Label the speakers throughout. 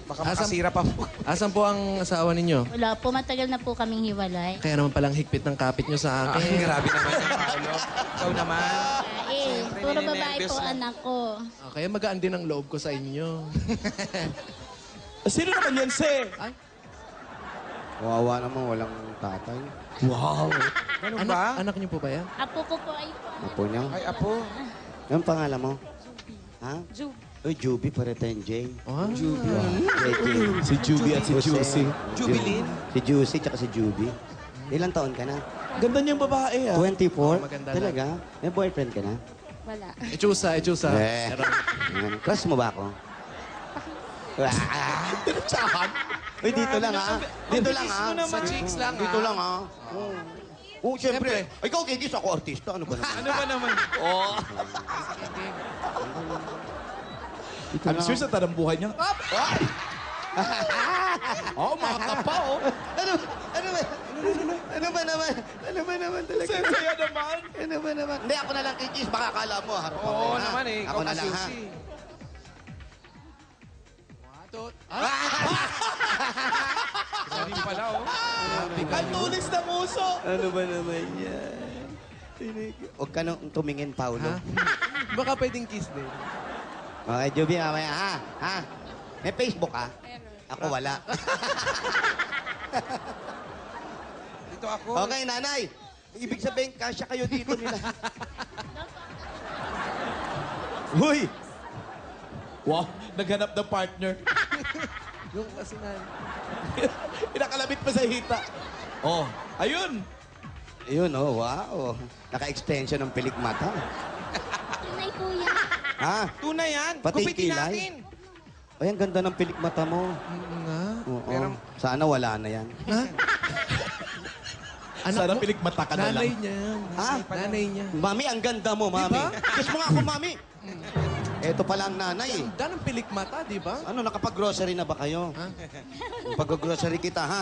Speaker 1: Baka makasira pa po.
Speaker 2: Asan po ang asawa ninyo?
Speaker 3: Wala po, matagal na po kaming hiwalay.
Speaker 2: Kaya naman palang higpit ng kapit nyo sa
Speaker 1: Ay,
Speaker 2: akin.
Speaker 1: grabe naman yung Paolo. Ikaw naman. Siyempre,
Speaker 3: Puro babae
Speaker 1: ninenervyos
Speaker 3: po
Speaker 1: lang.
Speaker 3: anak ko.
Speaker 2: Kaya magaan din ang loob ko sa inyo.
Speaker 4: Sino naman yan, Se?
Speaker 2: Ay,
Speaker 5: Wawa naman, walang tatay.
Speaker 4: Wow.
Speaker 1: Ganun
Speaker 2: anak,
Speaker 1: ba?
Speaker 2: anak niyo po ba yan?
Speaker 3: Apo ko po ay po.
Speaker 5: Apo niya.
Speaker 1: Ay, apo.
Speaker 5: Anong pangalan mo? Ha?
Speaker 3: Ju.
Speaker 5: Uy, Juby, pare tayong Jay.
Speaker 2: Oh,
Speaker 4: Si Juby at si Juicy.
Speaker 1: Jubilin?
Speaker 5: Si Juicy, tsaka si Juby. Ilang taon ka na?
Speaker 4: Ganda niyang babae, ah.
Speaker 5: 24?
Speaker 2: maganda
Speaker 5: Talaga? May boyfriend ka na?
Speaker 3: Wala.
Speaker 2: Echusa.
Speaker 5: Ayan. Crush mo ba ako?
Speaker 4: Tsahan.
Speaker 5: Uy, dito lang ha. Dito lang ha.
Speaker 2: Sa cheeks lang,
Speaker 5: Dito
Speaker 2: ha?
Speaker 5: lang ha. Oo, siyempre. Ikaw, kikis ako artista. Ano ba naman?
Speaker 1: Ano ba naman?
Speaker 4: Oh. I'm sure sa tanang buhay niya. Oh, mga kapa, oh.
Speaker 5: Ano ba? Ano ba naman? Ano ba naman talaga?
Speaker 4: Saya naman.
Speaker 5: Ano ba naman? Hindi, ako na lang kikis. Baka akala mo, harap ako.
Speaker 1: Oo
Speaker 5: ha?
Speaker 1: naman eh.
Speaker 5: Ako
Speaker 1: Ikaw
Speaker 5: na lang ha.
Speaker 1: kasusi. Sorry pala, oh.
Speaker 4: Ang tulis na muso.
Speaker 5: Ano ba naman yan? Huwag ka nang tumingin, Paulo.
Speaker 2: Ha? Baka pwedeng kiss din.
Speaker 5: Okay, Juby, mamaya, ha? Ha? May Facebook, ha? Ako wala.
Speaker 1: Dito ako.
Speaker 5: Okay, nanay. Ibig sabihin, kasya kayo dito nila. Huy!
Speaker 4: Wow, naghanap ng partner.
Speaker 2: Yung kasi na...
Speaker 4: Inakalabit pa sa hita. Oh, ayun.
Speaker 5: Ayun, oh, wow. Naka-extension ng pilik mata.
Speaker 3: Tunay po yan.
Speaker 5: Ha?
Speaker 1: Tunay yan.
Speaker 5: Pati
Speaker 1: Gupitin
Speaker 5: kilay.
Speaker 1: natin.
Speaker 5: Ay, ang ganda ng pilik mata mo.
Speaker 2: nga.
Speaker 5: Oo.
Speaker 1: Pero-
Speaker 5: Sana wala na yan.
Speaker 2: Ha?
Speaker 4: Sana
Speaker 2: mo?
Speaker 4: pilikmata ka na
Speaker 2: Nanay
Speaker 4: lang.
Speaker 2: niya.
Speaker 5: Ha?
Speaker 2: Nanay niya.
Speaker 5: Mami, ang ganda mo, mami. Kiss mo nga ako, mami. Ito pala ang nanay, eh.
Speaker 2: Ganda ng pilik mata, di ba?
Speaker 5: Ano, nakapag-grocery na ba kayo?
Speaker 2: Ha?
Speaker 5: Pag-grocery kita, ha?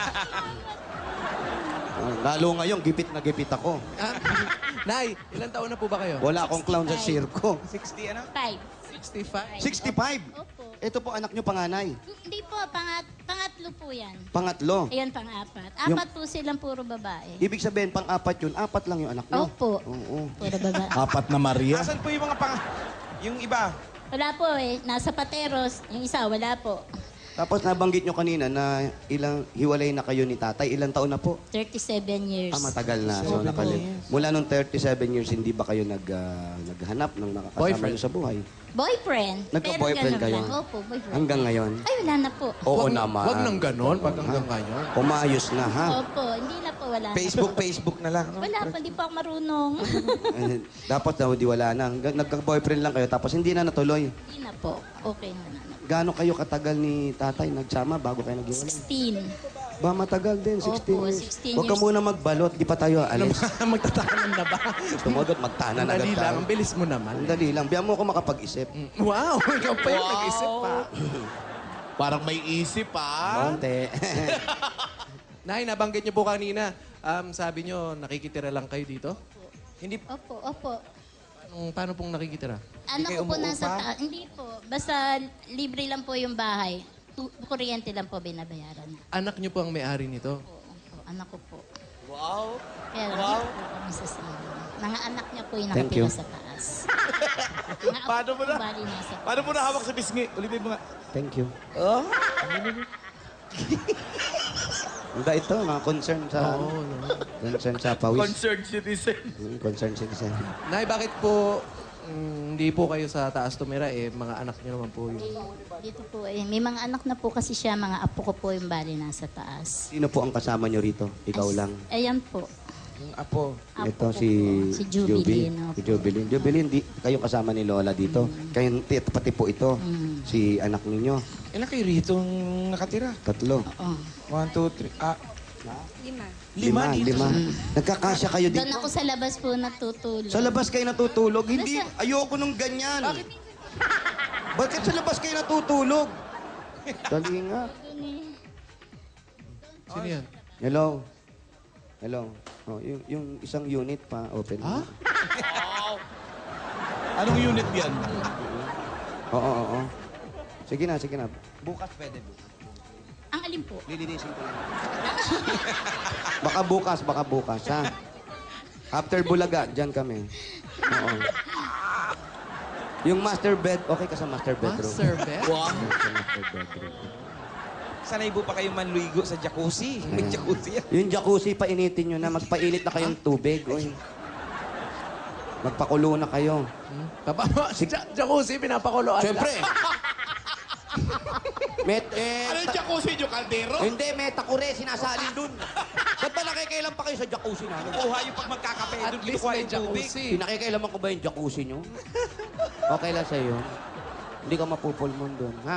Speaker 5: Lalo ngayon, gipit na gipit ako.
Speaker 2: Ah, Nay, ilang taon na po ba kayo?
Speaker 5: Wala akong clown sa sirko.
Speaker 1: 60, ano?
Speaker 3: 5.
Speaker 2: 65.
Speaker 5: 65.
Speaker 3: Opo.
Speaker 5: Ito po anak nyo panganay.
Speaker 3: Hindi po, pangatlo po yan.
Speaker 5: Pangatlo.
Speaker 3: Ayan, pang-apat.
Speaker 5: Yung-
Speaker 3: Apat po silang puro babae.
Speaker 5: Ibig sabihin, pang-apat yun. Apat lang yung anak nyo.
Speaker 3: Opo.
Speaker 5: Oo.
Speaker 3: Puro babae.
Speaker 4: Apat na Maria.
Speaker 1: Asan po yung mga Yung iba?
Speaker 3: Wala po eh. Nasa Pateros. Yung isa, wala po.
Speaker 5: Tapos nabanggit nyo kanina na ilang hiwalay na kayo ni tatay. Ilang taon na po?
Speaker 3: 37 years.
Speaker 5: Matagal na. So, mula nung 37 years, hindi ba kayo naghanap ng nakakasama
Speaker 2: Boyfriend.
Speaker 5: nyo sa buhay?
Speaker 3: Boyfriend.
Speaker 5: Nagka-boyfriend
Speaker 3: Pero
Speaker 5: kayo?
Speaker 3: ganun lang. Opo, boyfriend.
Speaker 5: Hanggang ngayon?
Speaker 3: Ay, wala na po.
Speaker 5: Oo naman.
Speaker 2: Wag nang ganon, pag hanggang ngayon.
Speaker 5: Umayos na, ha?
Speaker 3: Opo, hindi na po, wala na.
Speaker 1: Facebook na lang. No?
Speaker 3: Wala po, hindi po ako marunong.
Speaker 5: Dapat daw di wala na. Nagka-boyfriend lang kayo, tapos hindi na natuloy.
Speaker 3: Hindi na po. Okay na.
Speaker 5: Gaano kayo katagal ni tatay nagsama bago kayo naghiwalay?
Speaker 3: 16.
Speaker 5: Ba, matagal din, 16
Speaker 3: Opo,
Speaker 5: years.
Speaker 3: 16
Speaker 5: Huwag ka
Speaker 3: years.
Speaker 5: muna magbalot, di pa tayo alis.
Speaker 2: Magtatanan na ba?
Speaker 5: Tumagot, magtanan
Speaker 2: Ang
Speaker 5: agad
Speaker 2: dali lang,
Speaker 5: tayo.
Speaker 2: ang bilis mo naman.
Speaker 5: Ang dali lang. Biyan mo ako makapag-isip.
Speaker 2: Wow, ikaw pa yung nag-isip pa.
Speaker 4: Parang may isip, ah.
Speaker 5: Konti.
Speaker 2: Nay, nabanggit niyo po kanina, sabi niyo, nakikitira lang kayo dito?
Speaker 1: Hindi
Speaker 3: Opo, opo.
Speaker 2: Paano pong nakikitira?
Speaker 3: Ano
Speaker 1: kayo
Speaker 3: ko po
Speaker 1: umuupa?
Speaker 3: nasa taas? Hindi po. Basta libre lang po yung bahay. Kuryente lang po binabayaran.
Speaker 2: Anak niyo po ang may-ari nito.
Speaker 3: Opo, anak ko po.
Speaker 4: Wow.
Speaker 3: Pero
Speaker 4: Wow.
Speaker 3: hindi po kami sa silo. Mga anak niya po yung
Speaker 5: Thank
Speaker 3: nakatira
Speaker 5: you.
Speaker 3: sa taas. Mga apo
Speaker 4: Paano mo
Speaker 3: ko
Speaker 4: na?
Speaker 3: bali nasa taas.
Speaker 4: Paano mo na hawak sa bisngi? Ulitin mo nga.
Speaker 5: Thank you.
Speaker 4: Oh?
Speaker 5: Hindi ito, mga concern sa...
Speaker 2: Oo, no.
Speaker 5: Concern sa pawis.
Speaker 4: Concerned citizen.
Speaker 5: Concern citizen.
Speaker 2: Nay, bakit po hindi po kayo sa taas tumira eh? Mga anak niyo naman po yun.
Speaker 3: Dito po eh. May mga anak na po kasi siya. Mga apo ko po yung bali nasa taas.
Speaker 5: Sino po ang kasama nyo rito? Ikaw lang.
Speaker 3: Ayan po.
Speaker 1: yung apo.
Speaker 3: Apo
Speaker 5: Ito
Speaker 3: ko
Speaker 5: si...
Speaker 3: po. Si Jubilin.
Speaker 5: Si Jubilin. Jubilin, di kayo kasama ni Lola dito. Kayo, pati po ito. Si anak ninyo.
Speaker 1: Ilan kayo rito nakatira?
Speaker 5: 3.
Speaker 3: Oo.
Speaker 1: 1, 2, 3. Ah,
Speaker 5: Lima.
Speaker 1: dito.
Speaker 5: Nagkakasya kayo
Speaker 3: Doon
Speaker 5: dito.
Speaker 3: ako sa labas po natutulog.
Speaker 5: Sa labas kayo natutulog? Hindi, ayoko nung ganyan. Bakit sa labas kayo natutulog? Dali nga.
Speaker 3: Doon eh.
Speaker 2: Sino yan?
Speaker 5: Hello? Hello? Oh, yung isang unit pa, open.
Speaker 2: Ha?
Speaker 4: Anong unit yan?
Speaker 5: Oo. Sige na. Bukas pwede, bukas.
Speaker 3: Ang alin po?
Speaker 5: Lilinisin ko lang. baka bukas, ha? After Bulaga, dyan kami. Oo. Yung master bed, okay ka sa master bedroom?
Speaker 2: Master bed?
Speaker 5: Sa master bedroom.
Speaker 1: Sanay po pa kayong manluigo sa jacuzzi. May jacuzzi yan.
Speaker 5: Yung jacuzzi, painitin nyo na. Magpainit na kayong tubig. Uy. Magpakulo na kayo.
Speaker 2: Jacuzzi, pinapakuloan
Speaker 5: Siyempre.
Speaker 4: Ano yung jacuzzi nyo, kaldero?
Speaker 5: Hindi, may takure, sinasalin dun. Ba't ba nakikailan pa kayo sa jacuzzi namin?
Speaker 1: Kuha yung pag magkakape.
Speaker 2: At
Speaker 1: Doon
Speaker 2: least
Speaker 1: kinukuha
Speaker 2: may
Speaker 1: yung tubig.
Speaker 2: jacuzzi.
Speaker 5: Pinakikailaman ko ba yung jacuzzi nyo? Okay lang sa'yo. Hindi ka mapupulmon dun, ha?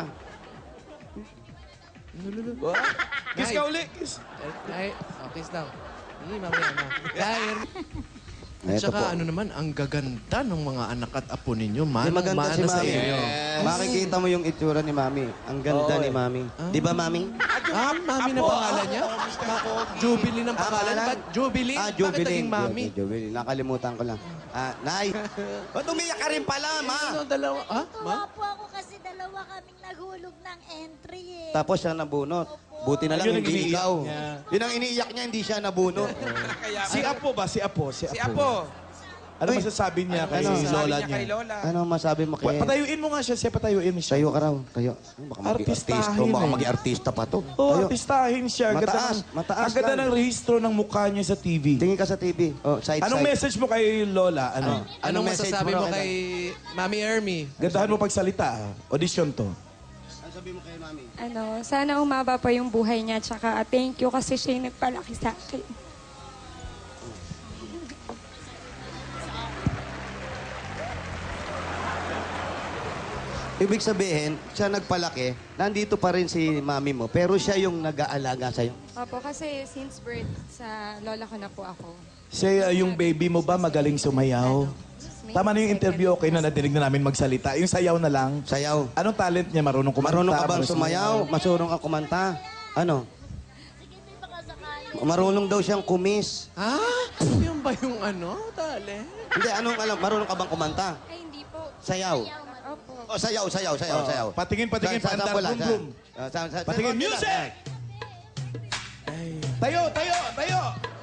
Speaker 4: Kiss ka uli, kiss.
Speaker 2: Ay, kiss daw. Mamaya na. Dahil, at
Speaker 5: Eto po.
Speaker 2: saka ano naman, ang gaganda ng mga anak at apo ninyo.
Speaker 5: Di maganda si
Speaker 2: sa
Speaker 5: Mami.
Speaker 2: inyo.
Speaker 5: Makikita mo yung itsura ni Mami. Ang ganda ni Mami. Di ba, Mami?
Speaker 2: Mami na pangalan niya? Jubilee ng pangalan.
Speaker 5: pangalan?
Speaker 2: Ba't Jubilee? Bakit
Speaker 5: Jubilee.
Speaker 2: naging Mami?
Speaker 5: Jubilee. Nakalimutan ko lang. Nay. Ba't umiyak ka rin pala, Ma?
Speaker 2: Ano, dalawa? Ma?
Speaker 6: Tuwa po ako kasi dalawa kaming naghulog ng entry eh.
Speaker 5: Tapos siya nabunot. Buti na lang
Speaker 4: Yun ang
Speaker 5: hindi
Speaker 4: iniiyak
Speaker 5: ikaw.
Speaker 4: niya.
Speaker 5: Yun ang iniiyak niya, hindi siya nabunot.
Speaker 4: Si Apo ba? Si Apo.
Speaker 1: Si Apo.
Speaker 4: Ano
Speaker 5: Uy.
Speaker 4: masasabi niya kay
Speaker 5: Ano?
Speaker 4: Lola
Speaker 1: Sabi niya kay
Speaker 4: niya?
Speaker 1: Lola.
Speaker 5: Ano masabi mo kay...
Speaker 4: Patayuin mo nga siya. Siya patayuin mo siya.
Speaker 5: Tayo ka raw. Tayo. Baka maging
Speaker 4: Artistahin
Speaker 5: artista. Baka
Speaker 4: eh.
Speaker 5: maging artista pa to.
Speaker 4: Oh,
Speaker 5: Tayo.
Speaker 4: artistahin siya. Ang ganda
Speaker 5: Mataas,
Speaker 4: ng-
Speaker 5: mataas
Speaker 4: Ang ganda
Speaker 5: lang.
Speaker 4: ng rehistro ng mukha niya sa TV.
Speaker 5: Tingin ka sa TV. Oh, side,
Speaker 4: Anong
Speaker 5: side.
Speaker 4: message mo kay Lola? Ano?
Speaker 2: Anong
Speaker 5: message
Speaker 2: masasabi
Speaker 5: mo
Speaker 2: mo
Speaker 5: raw
Speaker 2: kay Mami Ermi?
Speaker 4: Gandahan mo pagsalita. Audition to.
Speaker 5: Ano sabi mo kay Mami?
Speaker 7: Sana umaba pa yung buhay niya. Tsaka thank you kasi siya yung nagpalaki sa akin.
Speaker 5: Ibig sabihin, siya nagpalaki, nandito pa rin si Mami mo, pero siya yung nag-aalaga sa'yo.
Speaker 7: Opo, kasi since birth, sa lola ko na po ako.
Speaker 4: Siya, yung baby mo ba magaling sumayaw? Tama na yung interview, okay na nadinig na namin magsalita. Yung sayaw na lang.
Speaker 5: Sayaw.
Speaker 4: Anong talent niya? Marunong kumanta?
Speaker 5: Marunong ka bang
Speaker 4: marunong
Speaker 5: sumayaw? Marunong ka kumanta? Ano? Marunong daw siyang kumis.
Speaker 2: Yun ba yung ano? Dali.
Speaker 5: Hindi, anong alam? Marunong ka bang kumanta?
Speaker 7: Ay, hindi po.
Speaker 5: Sayaw.
Speaker 7: Opo.
Speaker 5: Oh, sayaw.
Speaker 4: Patingin, patingin,
Speaker 5: Sa-
Speaker 4: pandar,
Speaker 5: sample lang,
Speaker 4: boom, boom. Patingin,
Speaker 5: konti lang.
Speaker 4: music! Tayo, tayo, tayo!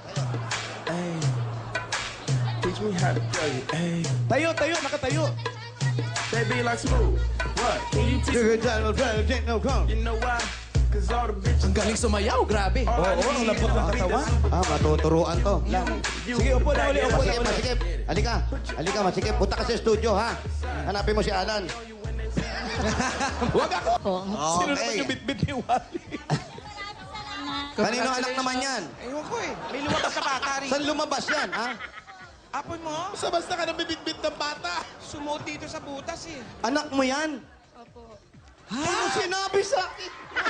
Speaker 8: Teach me how to play. Hey,
Speaker 4: Tayo, tayo, nakatayo.
Speaker 8: baby, like smooth. What? Can you teach me? You know why? Cause all the bitches.
Speaker 2: Ang galing sumayaw, grabe.
Speaker 4: Oo, ang lambot ng katawan.
Speaker 5: Matuturuan to. Lang.
Speaker 4: Sige, upo na uli, upo na
Speaker 5: Masikip,
Speaker 4: uli.
Speaker 5: masikip. Halika, masikip. Punta ka sa studio, ha? Hanapin mo si Alan.
Speaker 4: Huwag ako!
Speaker 3: Po.
Speaker 4: Sino naman
Speaker 5: Okay.
Speaker 4: yung bit-bit ni Wally?
Speaker 5: Kanino anak naman yan?
Speaker 1: Ewan ko eh. May lumabas sa bata rin.
Speaker 5: Saan lumabas yan, ha?
Speaker 1: Apon mo,
Speaker 4: Basta ka ng bit-bit ng bata.
Speaker 1: sumuot dito sa butas eh.
Speaker 5: Anak mo yan?
Speaker 7: Opo.
Speaker 5: Ano sinabi sa akin?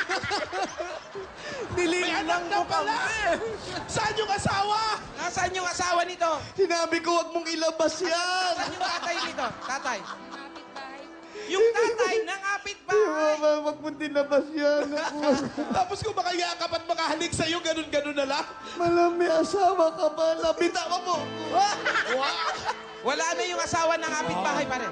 Speaker 4: May anak na pala! Saan yung asawa?
Speaker 1: Nasaan yung asawa nito?
Speaker 5: Sinabi ko, huwag mong ilabas yan.
Speaker 1: Saan yung tatay nito? Tatay.
Speaker 7: Kapitbahay.
Speaker 1: Yung tatay ng kapitbahay.
Speaker 5: Huwag mong dinabas yan.
Speaker 4: Tapos kung makayakap at makahalik sa'yo, ganun-ganun na lang.
Speaker 5: Malam, may asawa ka ba? Lapitawan mo.
Speaker 1: Wala na yung asawa ng kapitbahay pa rin.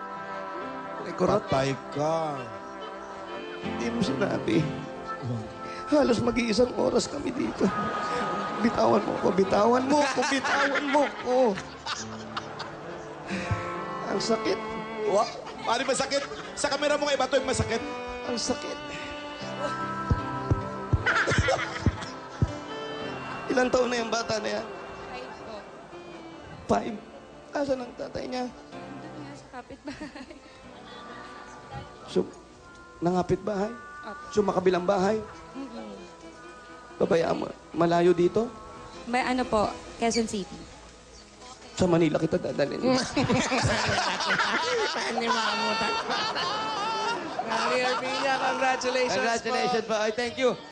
Speaker 4: Patay ka.
Speaker 5: Hindi mo sinabi. Halos mag-iisang oras kami dito. Bitawan mo ko, bitawan mo ko, bitawan mo ko. Ang sakit.
Speaker 4: What? Paano masakit? Sa kamera mo kay Bato yung masakit.
Speaker 5: Ang sakit. Ilang taon na yung bata na yan?
Speaker 7: 5 po.
Speaker 5: 5. Asan ang tatay niya?
Speaker 7: Doon nga sa kapitbahay.
Speaker 5: So, nangapit bahay?
Speaker 7: Opo.
Speaker 5: So, makabilang bahay? Babayaan mo. Malayo dito?
Speaker 7: May ano po, Quezon City.
Speaker 5: Sa Manila kita dadalhin.
Speaker 2: Hindi makamutan. Mami Ermi niya, congratulations po.
Speaker 5: Congratulations po. Ay, thank you.